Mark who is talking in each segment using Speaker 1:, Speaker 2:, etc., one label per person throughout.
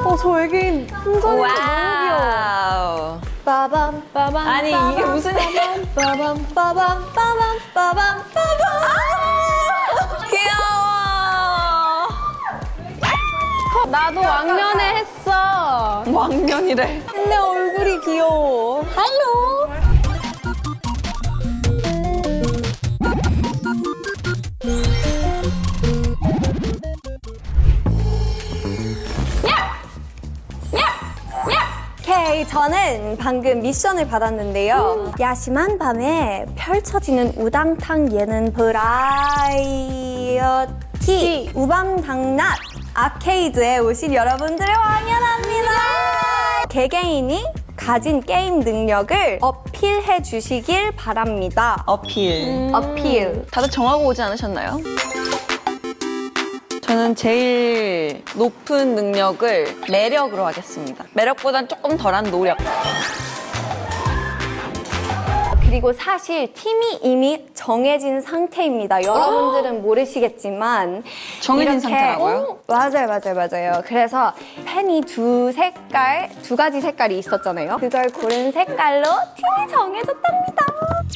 Speaker 1: 저 외계인 풍선이 너무 귀여워.
Speaker 2: 빠밤 빠밤.
Speaker 3: 아니 이게 무슨
Speaker 2: 빠밤 빠밤 빠밤 빠밤 빠밤.
Speaker 3: 귀여워.
Speaker 1: 나도 왕년에 했어.
Speaker 3: 왕년이래.
Speaker 2: 근데 얼굴이 귀여워.
Speaker 3: 할로.
Speaker 2: 오케이, 저는 방금 미션을 받았는데요. 야심한 밤에 펼쳐지는 우당탕 예능 브라이어티 우방당낮 아케이드에 오신 여러분들을 환영합니다. 개개인이 가진 게임 능력을 어필해 주시길 바랍니다.
Speaker 3: 어필.
Speaker 2: 어필.
Speaker 3: 다들 정하고 오지 않으셨나요? 저는 제일 높은 능력을 매력으로 하겠습니다. 매력보단 조금 덜한 노력.
Speaker 2: 그리고 사실 팀이 이미 정해진 상태입니다. 여러분들은 모르시겠지만
Speaker 3: 정해진
Speaker 2: 이렇게-
Speaker 3: 상태라고요?
Speaker 2: 맞아요. 그래서 펜이 두 가지 색깔이 있었잖아요. 그걸 고른 색깔로 팀이 정해졌답니다.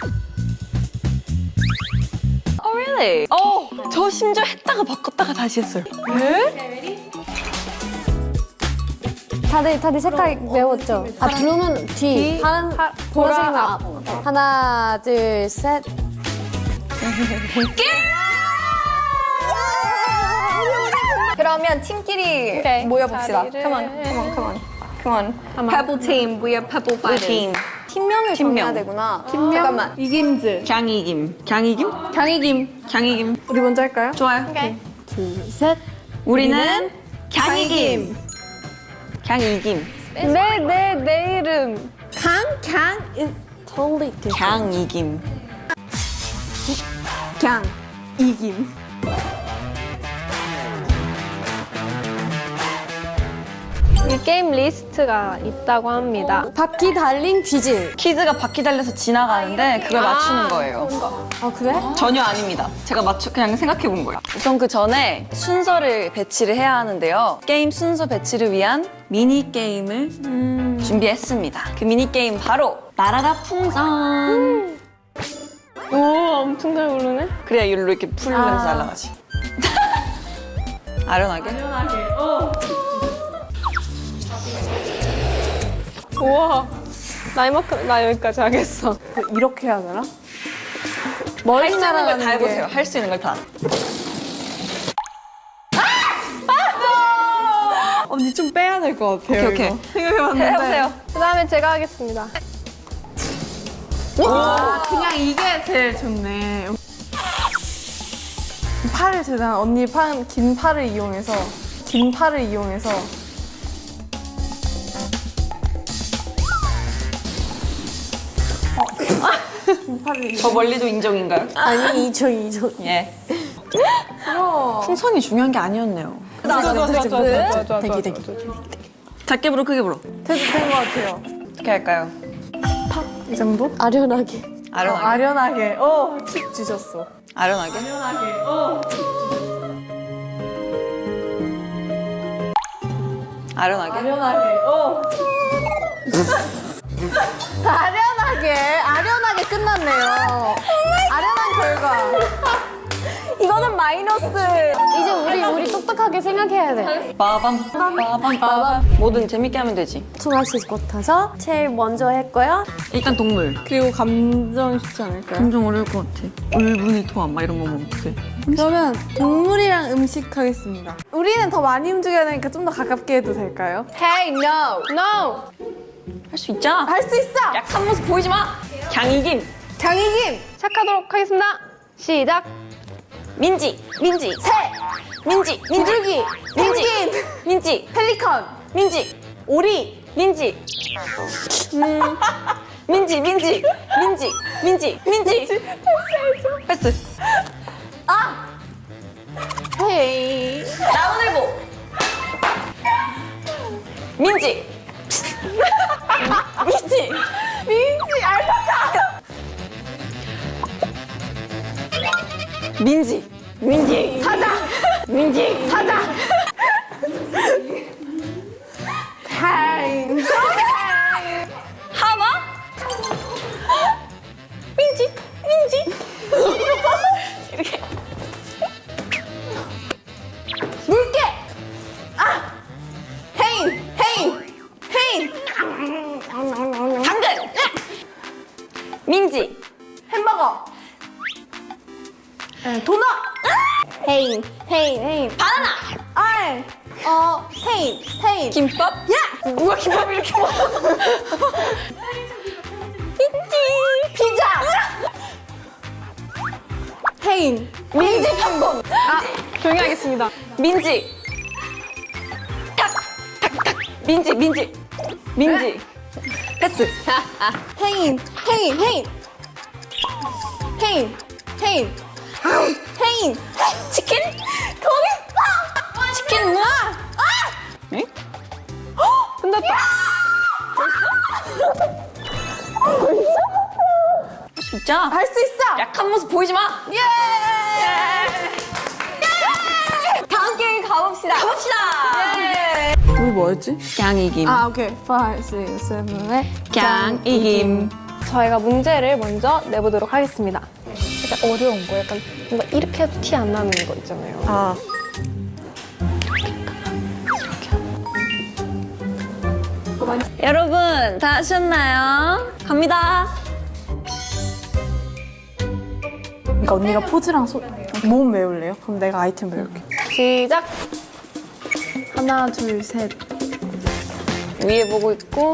Speaker 3: Oh, really? 저 심지어 했다가 바꿨다가 다시 했어요.
Speaker 1: 다들 색깔 외웠죠? 아, 블루는 뒤, 보라색은 앞. 하나, 둘, 셋.
Speaker 2: 그러면 팀끼리
Speaker 1: 오케이.
Speaker 2: 모여봅시다.
Speaker 1: 자리를-
Speaker 2: Come on. Pebble team, we are Pebble fighters.
Speaker 3: 팀.
Speaker 2: 팀명을
Speaker 3: 팀명.
Speaker 2: 정해야 되구나. 잠깐만.
Speaker 1: 이김즈.
Speaker 3: 강이김. 강이김?
Speaker 1: 강이김.
Speaker 3: 강이김.
Speaker 1: 우리 먼저 할까요?
Speaker 3: 좋아요.
Speaker 1: 둘, 셋.
Speaker 3: 우리는 강이김. 강이김.
Speaker 1: 내 이름. 강 is totally different.
Speaker 3: 강이김.
Speaker 1: 강. 이김. 이 게임 리스트가 있다고 합니다. 바퀴 달린 퀴즈.
Speaker 3: 퀴즈가 바퀴 달려서 지나가는데 그걸 맞추는 거예요.
Speaker 1: 아, 그래?
Speaker 3: 전혀 아닙니다. 제가 그냥 생각해 본 거예요. 우선 그 전에 순서를 배치를 해야 하는데요. 게임 순서 배치를 위한 미니 게임을 준비했습니다. 그 미니 게임 바로 나라라 풍선.
Speaker 1: 오, 엄청 잘 부르네.
Speaker 3: 그래야 율로 이렇게 풀면서 날아가지. 아련하게.
Speaker 1: 우와. 나 여기까지 하겠어. 이렇게 해야 되나? 머리
Speaker 3: 할 수 있는 걸
Speaker 1: 날아가는
Speaker 3: 다
Speaker 1: 게.
Speaker 3: 해보세요. 할 수 있는 걸 다.
Speaker 1: 언니 좀 빼야 될 것 같아요.
Speaker 3: 오케이.
Speaker 1: 이거. 생각해봤는데.
Speaker 3: 해보세요.
Speaker 1: 그다음에 제가 하겠습니다. 와, 그냥 이게 제일 좋네. 팔을 재단 언니 긴 팔을 이용해서
Speaker 3: 저 멀리도 인정인가요?
Speaker 1: 아니 이정
Speaker 3: 예.
Speaker 1: 우와.
Speaker 3: 풍선이 중요한 게 아니었네요.
Speaker 1: 좋아.
Speaker 3: 대기. 작게 불어, 크게 불어.
Speaker 1: 된것 같아요.
Speaker 3: 어떻게 할까요?
Speaker 1: 이 정도? 아련하게.
Speaker 3: 아련하게.
Speaker 1: 아련하게. 팁 주셨어.
Speaker 3: 아련하게. 아련하게.
Speaker 1: 아련하게 끝났네요. 아련한 결과.
Speaker 2: 이거는 마이너스.
Speaker 1: 이제 우리 똑똑하게 생각해야 돼.
Speaker 3: 빠밤. 뭐든 재밌게 하면 되지.
Speaker 1: 총알씨 같아서 제일 먼저 했고요.
Speaker 3: 일단 동물.
Speaker 1: 그리고 감정 쉽지 않을까요?
Speaker 3: 엄청 어려울 것 같아. 울분이 토함 막 이런 거 먹으면 어떡해.
Speaker 1: 그러면 동물이랑 음식 하겠습니다. 우리는 더 많이 움직여야 되니까 좀 더 가깝게 해도 될까요?
Speaker 2: Hey, no.
Speaker 1: No!
Speaker 3: 할 수 있잖아.
Speaker 1: 할 수 있어!
Speaker 3: 약한 모습 보이지 마. 강이김.
Speaker 1: 강희김! 시작하도록 하겠습니다. 시작!
Speaker 3: 민지.
Speaker 1: 새!
Speaker 3: 민지.
Speaker 1: 비둘기! 펭귄!
Speaker 3: 민지.
Speaker 1: 펠리컨!
Speaker 3: 민지.
Speaker 1: 오리!
Speaker 3: 민지. 민지. 패스.
Speaker 1: 헤이!
Speaker 3: 나무늘보. 민지.
Speaker 1: 알파카!
Speaker 3: 민지.
Speaker 1: 사자!
Speaker 3: 민지.
Speaker 1: 사자!
Speaker 2: paint.
Speaker 3: 김밥? 야! 누가 김밥 이렇게 먹어?
Speaker 2: 피자. paint.
Speaker 3: 민지 팝콘.
Speaker 4: 조용히 하겠습니다.
Speaker 3: 민지. 탁! 탁! 탁! 민지. 패스.
Speaker 2: paint.
Speaker 3: 치킨?
Speaker 2: 거기 있어.
Speaker 3: 치킨 무? 네?
Speaker 4: 끝났다.
Speaker 3: 진짜?
Speaker 2: 할 수 있어.
Speaker 3: 약한 모습 보이지 마.
Speaker 2: 예. 다음 게임 가봅시다. 예.
Speaker 4: 우리 뭐였지?
Speaker 3: 갱이김.
Speaker 4: 아, 오케이. 5, 6, 7, 8.
Speaker 3: 갱이김.
Speaker 4: 저희가 문제를 먼저 내보도록 하겠습니다. 약간 어려운 거, 약간 뭔가 이렇게 해도 티 안 나는 거 있잖아요.
Speaker 3: 아. 여러분 다 하셨나요? 갑니다.
Speaker 5: 그러니까 언니가 포즈랑 몸 외울래요? 그럼 내가 아이템 외울게.
Speaker 4: 시작! 하나, 둘, 셋.
Speaker 3: 위에 보고 있고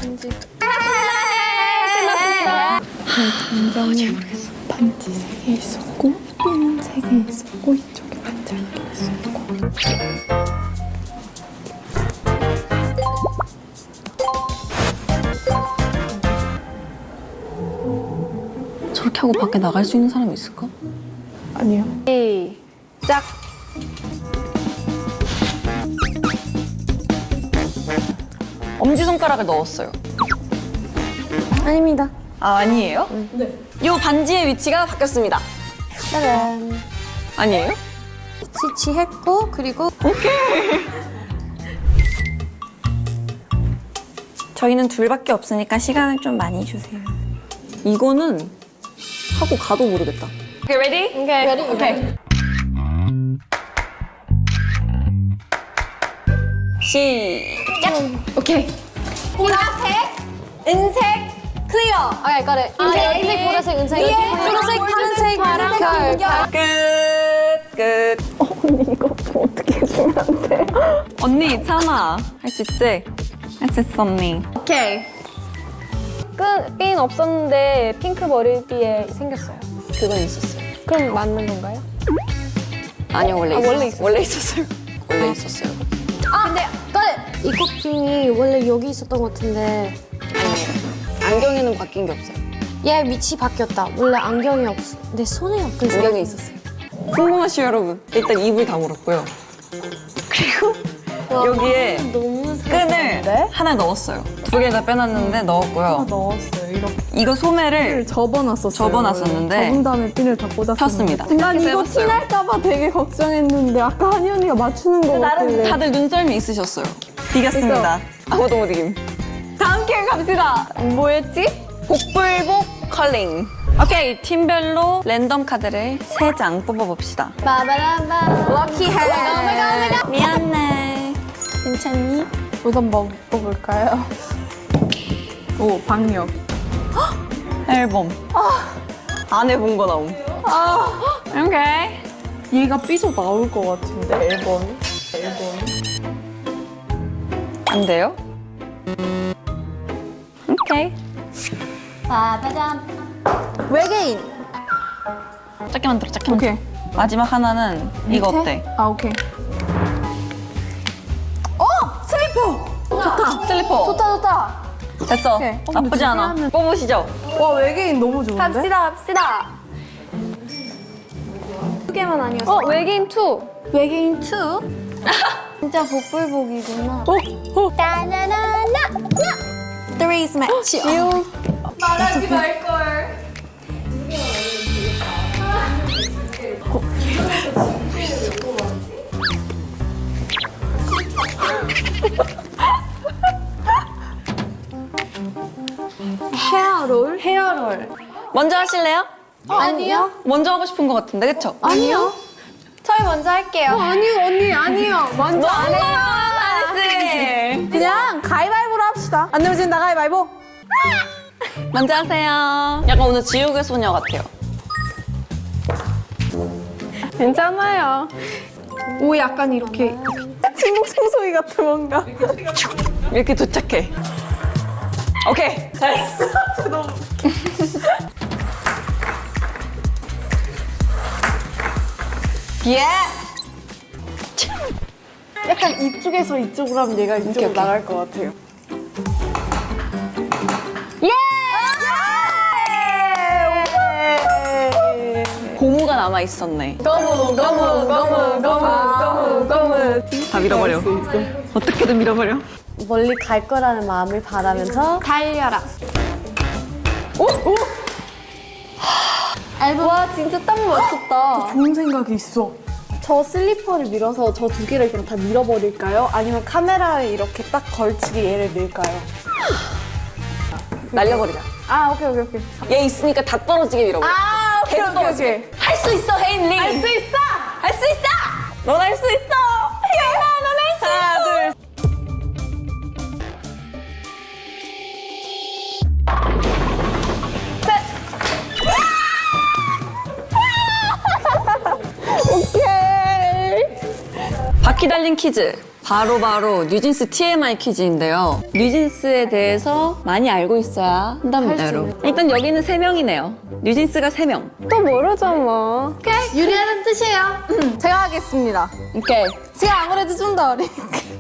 Speaker 5: 반지 3개 있었고 핀 3개 있었고 이쪽에 반지 1개 있었고.
Speaker 3: 저렇게 하고 밖에 나갈 수 있는 사람이 있을까?
Speaker 5: 아니요.
Speaker 4: 시작!
Speaker 3: 엄지손가락을 넣었어요.
Speaker 1: 아닙니다.
Speaker 3: 아, 아니에요? 네. 요 반지의 위치가 바뀌었습니다.
Speaker 1: 짜잔.
Speaker 3: 아니에요?
Speaker 1: 지치했고 그리고
Speaker 3: 저희는 둘밖에 없으니까 시간을 좀 많이 주세요. 이거는 하고 가도 모르겠다. 오케이, ready?
Speaker 4: 오케이.
Speaker 3: 오케이. 시작! 오케이.
Speaker 2: 보라색, 은색, 클리어.
Speaker 1: 오케이 거래. 흰색, 보라색, 은색, 초록색, 파란색, 별.
Speaker 3: 끝. 언니 이거 좀 어떻게 해주면 안 돼? 언니 참아. 할 수 있지? 할 수 있어 언니.
Speaker 2: 오케이.
Speaker 4: 끈 없었는데 핑크 머리띠에 생겼어요.
Speaker 3: 그건 있었어요.
Speaker 4: 그럼 맞는 건가요?
Speaker 3: 아니요 원래
Speaker 4: 원래
Speaker 3: 있었어요. 원래 있었어요. 원래 있었어요.
Speaker 1: 근데 이 꽃핀이 원래 여기 있었던 것 같은데
Speaker 3: 아니에요. 안경에는 바뀐 게 없어요.
Speaker 1: 얘 위치 바뀌었다. 원래 안경이 없어. 내 손에 엮여 있어.
Speaker 3: 안경에 있었어요. 궁금하시죠 여러분? 일단 입을 다물었고요. 그리고 여기에
Speaker 1: 너무
Speaker 3: 끈을 하나 넣었어요. 두 개 다 빼놨는데 넣었고요.
Speaker 5: 넣었어요. 이렇게
Speaker 3: 이거 소매를
Speaker 5: 접어놨었어요.
Speaker 3: 접어놨었는데
Speaker 5: 접은 다음에 핀을 다 꽂았어요.
Speaker 3: 폈습니다.
Speaker 5: 난 이거
Speaker 3: 해봤어요.
Speaker 5: 티날까봐 되게 걱정했는데 아까 한이 언니가 맞추는 거
Speaker 3: 나름
Speaker 5: 같길래.
Speaker 3: 다들 눈썰미 있으셨어요. 비겼습니다. 아무도 못 이김.
Speaker 2: 다음 게임 갑시다.
Speaker 3: 뭐였지? 복불복 컬링. 오케이, 팀별로 랜덤 카드를 3장 뽑아봅시다.
Speaker 1: 빠바라바.
Speaker 2: 럭키 헤드.
Speaker 3: 미안해. 괜찮니?
Speaker 5: 우선 뭐 뽑을까요? 오, 방역.
Speaker 3: 앨범. 안 해본 거 나옴. 오케이.
Speaker 5: 얘가 삐져 나올 것 같은데, 앨범이?
Speaker 3: 안 돼요? 오케이.
Speaker 1: 빠바잠.
Speaker 2: 외계인.
Speaker 3: 작게 만들어, 작게 만들어.
Speaker 5: 오케이.
Speaker 3: 마지막 하나는 이거 어때?
Speaker 5: 아, 오케이.
Speaker 3: 슬리퍼.
Speaker 2: 좋다.
Speaker 3: 됐어.
Speaker 5: 오케이.
Speaker 3: 나쁘지 않아. 뽑으시죠.
Speaker 5: 와, 외계인 너무 좋은데?
Speaker 2: 갑시다. 두 개만 아니었어.
Speaker 4: 외계인 2.
Speaker 2: 외계인 2.
Speaker 1: 진짜 복불복이구나.
Speaker 2: 따나나나. Three's match. 말하지 말걸.
Speaker 1: 헤어롤.
Speaker 3: 먼저 하실래요?
Speaker 1: 아니요.
Speaker 3: 먼저 하고 싶은 것 같은데, 그쵸?
Speaker 1: 아니요.
Speaker 2: 저희 먼저 할게요.
Speaker 4: 아니요, 언니, 아니요. 먼저 안 해요.
Speaker 3: 나이스!
Speaker 5: 그냥 가위바위보로 합시다. 안 내면 나 가위바위보.
Speaker 3: 먼저 하세요. 약간 오늘 지옥의 소녀 같아요.
Speaker 4: 괜찮아요.
Speaker 2: 오, 약간 이렇게.
Speaker 5: 침묵 청소기 같아 뭔가.
Speaker 3: 이렇게 도착해. 오케이, 잘했어. 예!
Speaker 5: 약간 이쪽에서 이쪽으로 하면 얘가 이쪽으로
Speaker 3: 오케이.
Speaker 5: 나갈 것 같아요.
Speaker 3: 고무가 남아 있었네.
Speaker 5: 검은.
Speaker 3: 다 밀어버려. 어떻게든 밀어버려.
Speaker 1: 멀리 갈 거라는 마음을 바라면서
Speaker 4: 달려라.
Speaker 1: 앨범.
Speaker 4: 와, 진짜 딱 맞췄다.
Speaker 5: 좋은 생각이 있어.
Speaker 1: 저 슬리퍼를 밀어서 저 두 개를 그럼 다 밀어버릴까요?
Speaker 5: 아니면 카메라에 이렇게 딱 걸치게 얘를 밀까요?
Speaker 3: 날려버리자.
Speaker 5: 아 오케이.
Speaker 3: 얘 있으니까 다 떨어지게 밀어버려.
Speaker 5: 아 오케이.
Speaker 3: 할 수 있어, 혜인리. 할 수 있어. 할 수 있어. 넌 할 수 있어. 혜인아, 넌 할 수 있어. 하나, 둘. 바퀴 달린 퀴즈. 바로 뉴진스 TMI 퀴즈인데요. 뉴진스에 대해서 많이 알고 있어야 한답니다, 여러분. 일단 여기는 3명이네요. 뉴진스가 3명.
Speaker 4: 또 모르죠, 뭐.
Speaker 1: 유리하는 뜻이에요.
Speaker 5: 제가 하겠습니다.
Speaker 3: 오케이.
Speaker 5: 제가 아무래도 좀 더 어리니까.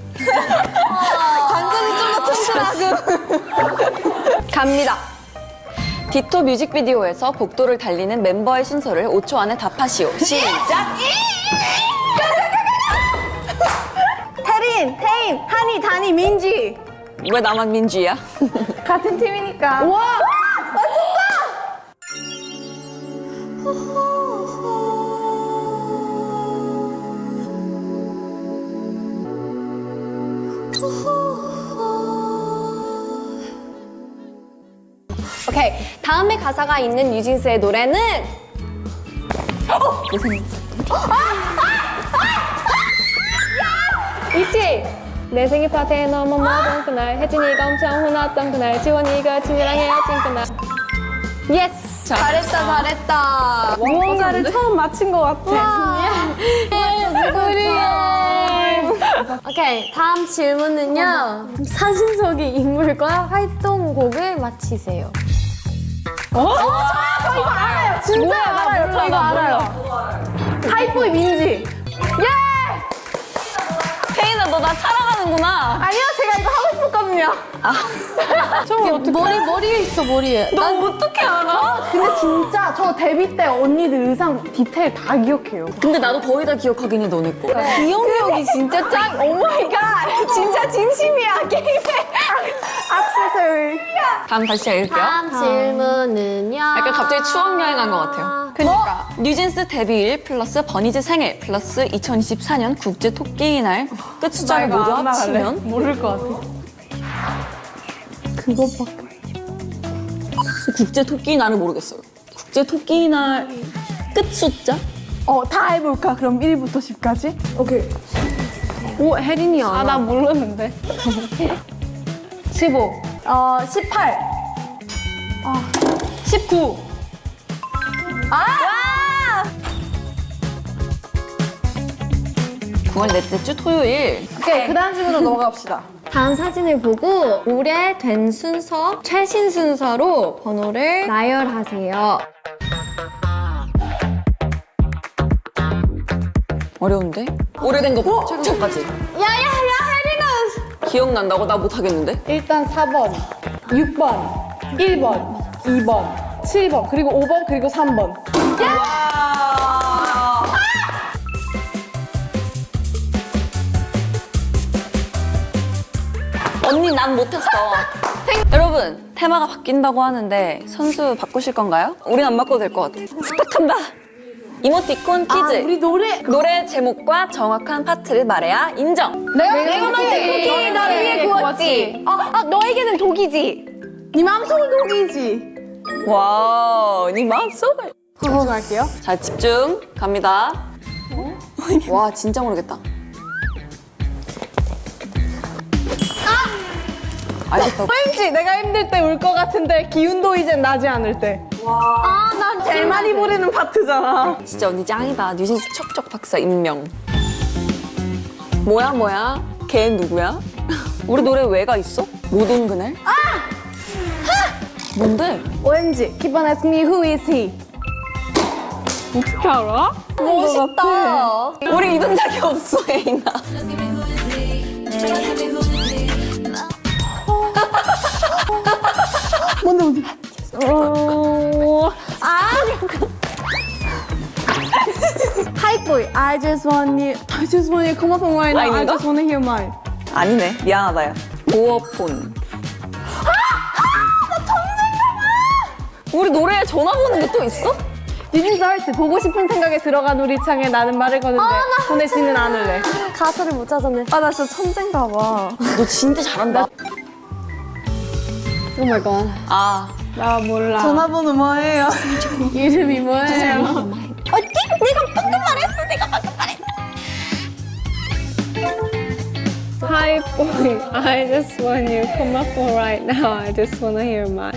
Speaker 5: 관전이 좀 더 튼튼하고.
Speaker 3: 갑니다. 디토 뮤직비디오에서 복도를 달리는 멤버의 순서를 5초 안에 답하시오. 시작!
Speaker 5: 태린, 한이, 다니, 민지.
Speaker 3: 왜 나만 민주야?
Speaker 5: 같은 팀이니까. 와!
Speaker 4: 오케이. 다음에 가사가 있는 뉴진스의 노래는 있지? 내 생일 파티에 너무 먹은 그날 혜진이가 엄청 혼났던 그날 지원이가 친구랑 헤어진 그날 예스! 잘했다
Speaker 5: 무언가를 처음 맞힌 것 같아.
Speaker 1: 오케이, 다음 질문은요. 사진 속의 인물과 활동곡을 맞히세요.
Speaker 5: 저 이거 알아요. 진짜 알아요. 저 이거 알아요. 하이보이 민지.
Speaker 3: 혜인아, 너 나 사랑하는구나.
Speaker 5: 아니요, 제가 이거 하고 싶었거든요.
Speaker 1: 머리에 있어, 머리에.
Speaker 3: 너 어떻게 알아?
Speaker 5: 근데 진짜 저 데뷔 때 언니들 의상 디테일 다 기억해요.
Speaker 3: 근데 나도 거의 다 기억하긴 해, 너네 거.
Speaker 5: 기억력이 진짜 짱. 오마이갓. 진짜 진심이야, 게임에. 악세서리.
Speaker 3: 다음 다시 읽을게요.
Speaker 1: 다음 질문은요.
Speaker 3: 약간 갑자기 추억 여행한 것 같아요.
Speaker 5: 그니까.
Speaker 3: 뉴진스 데뷔일 플러스 버니즈 생일 플러스 2024년 국제 토끼의 날 끝 숫자를 모두 합치면
Speaker 5: 모를 것 같아.
Speaker 3: 국제 토끼의 날을 모르겠어요. 국제 토끼의 날 끝 숫자?
Speaker 5: 다 해볼까? 그럼 1부터 10까지? 오케이.
Speaker 4: 오, 혜린이 알아. 나 모르는데
Speaker 5: 15. 18. 19.
Speaker 3: 9월 넷째 주 토요일.
Speaker 5: 오케이, 그 다음 질문으로 넘어갑시다.
Speaker 4: 다음 사진을 보고 오래된 순서, 최신 순서로 번호를 나열하세요.
Speaker 3: 어려운데? 오래된 거 최초까지.
Speaker 1: 혜린아!
Speaker 3: 기억난다고? 나 못하겠는데?
Speaker 5: 일단 4번, 6번, 1번, 2번, 7번, 그리고 5번, 그리고 3번.
Speaker 3: 언니 난 못했어. 여러분 테마가 바뀐다고 하는데 선수 바꾸실 건가요? 우린 안 바꿔도 될 것 같아. 부탁한다. 이모티콘 퀴즈.
Speaker 5: 우리
Speaker 3: 노래 제목과 정확한 파트를 말해야 인정.
Speaker 4: 내가 만든 쿠키 너를 위해 구웠지. 너에게는 독이지.
Speaker 5: 네 마음속은 독이지.
Speaker 3: 와, 네 마음속을.
Speaker 5: 집중할게요.
Speaker 3: 자, 집중 갑니다. 와, 진짜 모르겠다. 알겠다고.
Speaker 5: 왠지 내가 힘들 때 울 것 같은데 기운도 이젠 나지 않을 때. 난 제일 많이 부르는 파트잖아.
Speaker 3: 진짜 언니 짱이다. 뉴진스 척척 박사 임명. 뭐야? 걔는 누구야? 우리 노래 왜가 있어? 못 온 그날? 뭔데?
Speaker 5: OMG. Keep on asking me who is he. 어떻게 알아?
Speaker 3: 멋있다. 우리 이런 적이 없어, 에이나.
Speaker 5: Hi boy, I just want you to come up on right now. I
Speaker 3: 아닌가?
Speaker 5: just want to hear mine.
Speaker 3: 아니네. 미안하다, 야. 도어폰. 우리 노래에 전화번호 게 또 있어?
Speaker 5: 유진스 할때 보고 싶은 생각에 들어간 우리 창에 나는 말을 거는데 보내지는 않을래.
Speaker 1: 가사를 못 찾았네.
Speaker 5: 아, 나 진짜 천재인가 봐.
Speaker 3: 너 진짜 잘한다.
Speaker 1: 오 마이 갓.
Speaker 3: 아,
Speaker 5: 나 몰라.
Speaker 3: 전화번호 뭐예요?
Speaker 5: 이름이 뭐예요? Hi boy, I just want you to come up on right now. I just want to hear mine.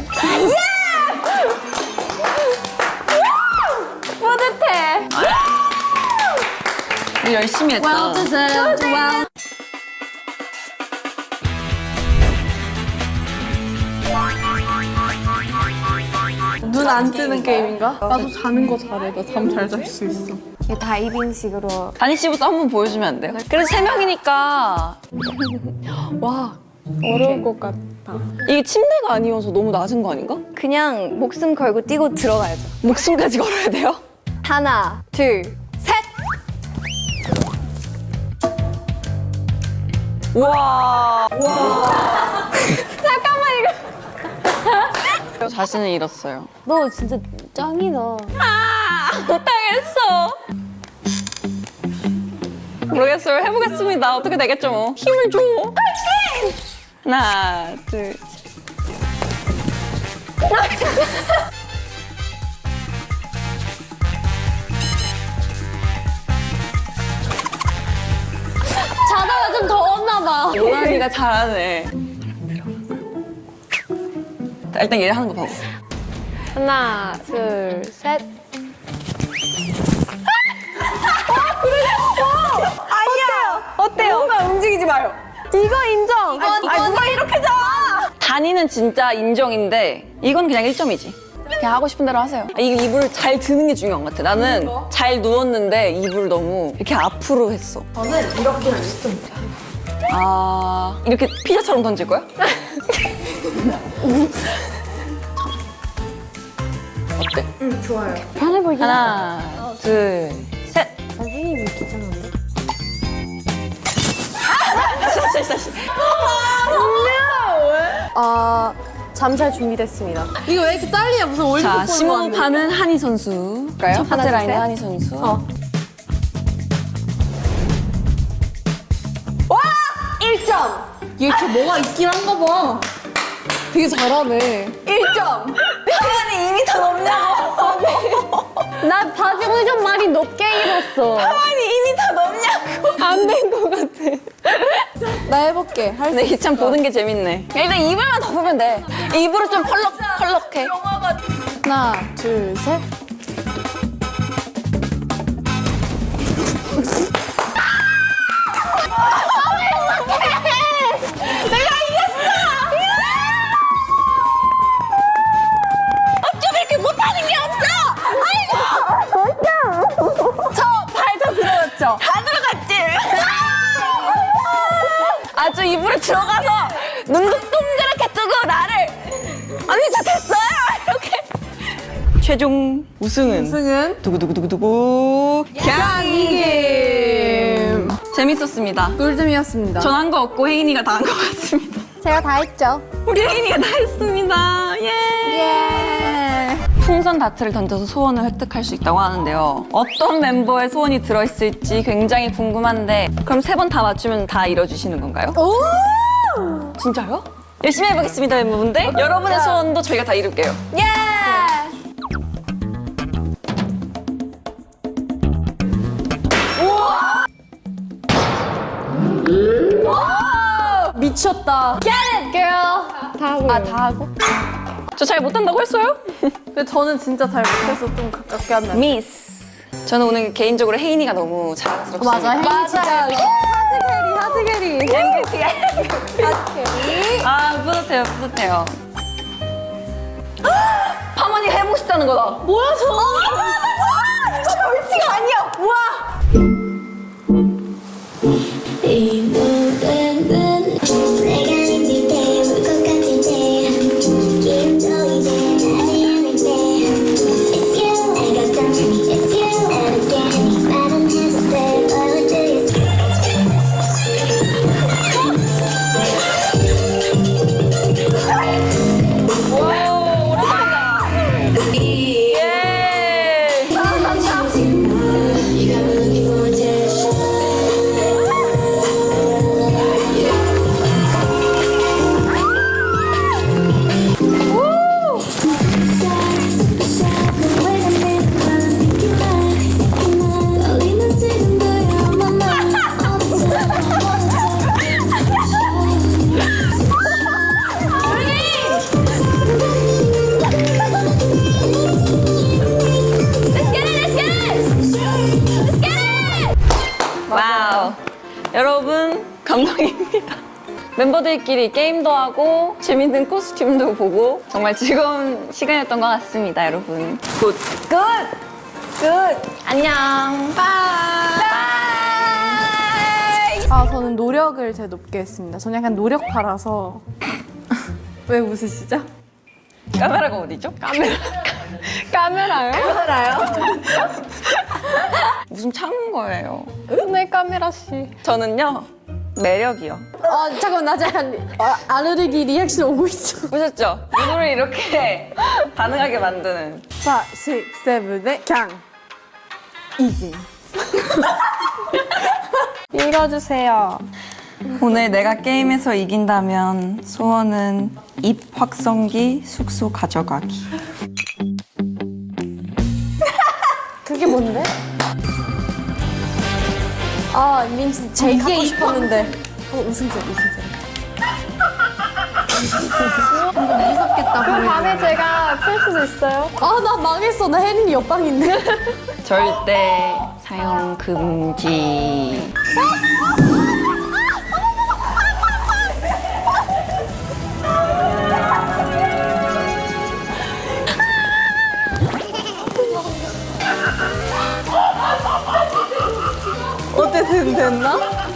Speaker 5: 뿌듯해.
Speaker 3: 우리 열심히 했다.
Speaker 5: 눈 안 뜨는 게임인가? 나도 자는 거 잘해. 나 잠 잘 잘 수 있어.
Speaker 1: 이게 다이빙식으로.
Speaker 3: 다니 씨부터 한번 보여주면 안 돼요? 그래도 3명이니까. 와,
Speaker 5: 어려울 것 같아.
Speaker 3: 이게 침대가 아니어서 너무 낮은 거 아닌가?
Speaker 2: 그냥 목숨 걸고 뛰고 들어가야죠.
Speaker 3: 목숨까지 걸어야 돼요?
Speaker 2: 하나, 둘, 셋.
Speaker 3: 와. 잠깐만, 이거. 자신을 잃었어요.
Speaker 1: 너 진짜 짱이다.
Speaker 3: 못하겠어. 모르겠어요. 해보겠습니다. 어떻게 되겠죠 뭐. 힘을 줘. 하나, 둘, 셋.
Speaker 1: 자다가 좀 더웠나 봐.
Speaker 3: 노란이가 잘하네. 일단 얘 하는 거 봐봐.
Speaker 5: 하나, 둘, 셋.
Speaker 3: 어때요?
Speaker 5: 누가 움직이지 마요. 이거 인정.
Speaker 3: 누가 이렇게 자? 단위는 진짜 인정인데 이건 그냥 1점이지. 그냥 하고 싶은 대로 하세요. 이게 이불을 잘 드는 게 중요한 것 같아. 나는 잘 누웠는데 이불을 너무 이렇게 앞으로 했어. 저는 이렇게 했습니다. 아, 이렇게 피자처럼 던질 거야? 어때?
Speaker 1: 편해 보이긴 하다.
Speaker 3: 하나, 둘, 셋.
Speaker 1: 선생님이 긴장한데? 잠잘 준비됐습니다.
Speaker 5: 이거 왜 이렇게 딸리냐? 무슨 올림픽
Speaker 3: 자,
Speaker 5: 보는 거
Speaker 3: 심호흡하는 한희 선수. 첫 번째 라인의 한희 선수.
Speaker 5: 1점! 얘 이렇게 뭐가 있긴 한가 봐. 되게 잘하네.
Speaker 3: 1점. 하만이 2m 넘냐고.
Speaker 1: 나 바지고 좀 많이 높게 입었어.
Speaker 3: 하만이 2m 넘냐고.
Speaker 5: 안 된 것 같아. 나 해볼게. 할 수
Speaker 3: 근데
Speaker 5: 있어.
Speaker 3: 이참 보는 게 재밌네. 일단 이불만 덮으면 돼. 이불을 좀 펄럭펄럭해.
Speaker 5: 하나, 둘, 셋.
Speaker 3: 어쩜 이렇게 못하는 게 없어? 아이고! 저 발 다 들어갔죠? 다 들어갔지? 아주 이불에 들어가서 눈도 동그랗게 뜨고 나를 언니 저 됐어요! 이렇게 최종 우승은
Speaker 5: 승은
Speaker 3: 두구두구두구두구 경이김 재밌었습니다.
Speaker 5: 꿀잼이었습니다.
Speaker 3: 전 한 거 없고 혜인이가 다 한 것 같습니다.
Speaker 1: 제가 다 했죠.
Speaker 3: 우리 혜인이가 다 했습니다. 예. 풍선 다트를 던져서 소원을 획득할 수 있다고 하는데요. 어떤 멤버의 소원이 들어있을지 굉장히 궁금한데 그럼 3번 다 맞추면 다 이뤄주시는 건가요? 오! 진짜요? 열심히 해보겠습니다, 멤버분들. 여러분의 소원도 저희가 다 이룰게요.
Speaker 2: 예!
Speaker 5: 미쳤다.
Speaker 1: Get it, girl.
Speaker 5: 다 하고.
Speaker 3: 다 하고? 저 잘 못한다고 했어요?
Speaker 5: 근데 저는 진짜 잘 못해서 좀 가깝게 한다.
Speaker 3: 미스. 저는 오늘 개인적으로 혜인이가 너무 자랑스럽습니다.
Speaker 1: 맞아, 혜인 진짜 하트 캐리.
Speaker 3: 아, 뿌듯해요, 뿌듯해요. 파머니 해보고 싶다는 거다. 뭐야, 저거? 이거 벌칙 아니야. 우와.
Speaker 6: 이 노래는 내가 힘들 때 울 것 같을 때 기운도 이제 나지 않을 때 It's you I got down to me It's you and again 말은 해줄 때 What do you say
Speaker 3: 예.
Speaker 6: You got me looking for attention
Speaker 3: 와우. 여러분, 감동입니다. 멤버들끼리 게임도 하고 재밌는 코스튬도 보고 정말 즐거운 시간이었던 것 같습니다, 여러분. 굿. 굿. 굿. 안녕. 바이.
Speaker 5: 아, 저는 노력을 제일 높게 했습니다. 저는 약간 노력파라서. 왜 웃으시죠?
Speaker 3: 카메라가 어디죠?
Speaker 5: 카메라요?
Speaker 3: 무슨 참은 거예요?
Speaker 5: 네, 카메라 씨.
Speaker 3: 저는요, 매력이요.
Speaker 1: 잠깐만, 나 약간 알레르기 리액션 오고 있어.
Speaker 3: 보셨죠? 눈을 이렇게 가능하게 만드는.
Speaker 5: 5, 6, 7, 8, 강. 이진. 읽어주세요.
Speaker 3: 오늘 내가 게임에서 이긴다면 소원은 입 확성기 숙소 가져가기.
Speaker 1: 그게 뭔데? 아, 민지 제일 갖고 싶었는데. 우승자. 무섭겠다.
Speaker 4: 그럼 밤에 제가 풀 수도 있어요?
Speaker 1: 아, 나 망했어. 나 혜린이 옆방인데.
Speaker 3: 절대 사용 금지. 어때? 됐나?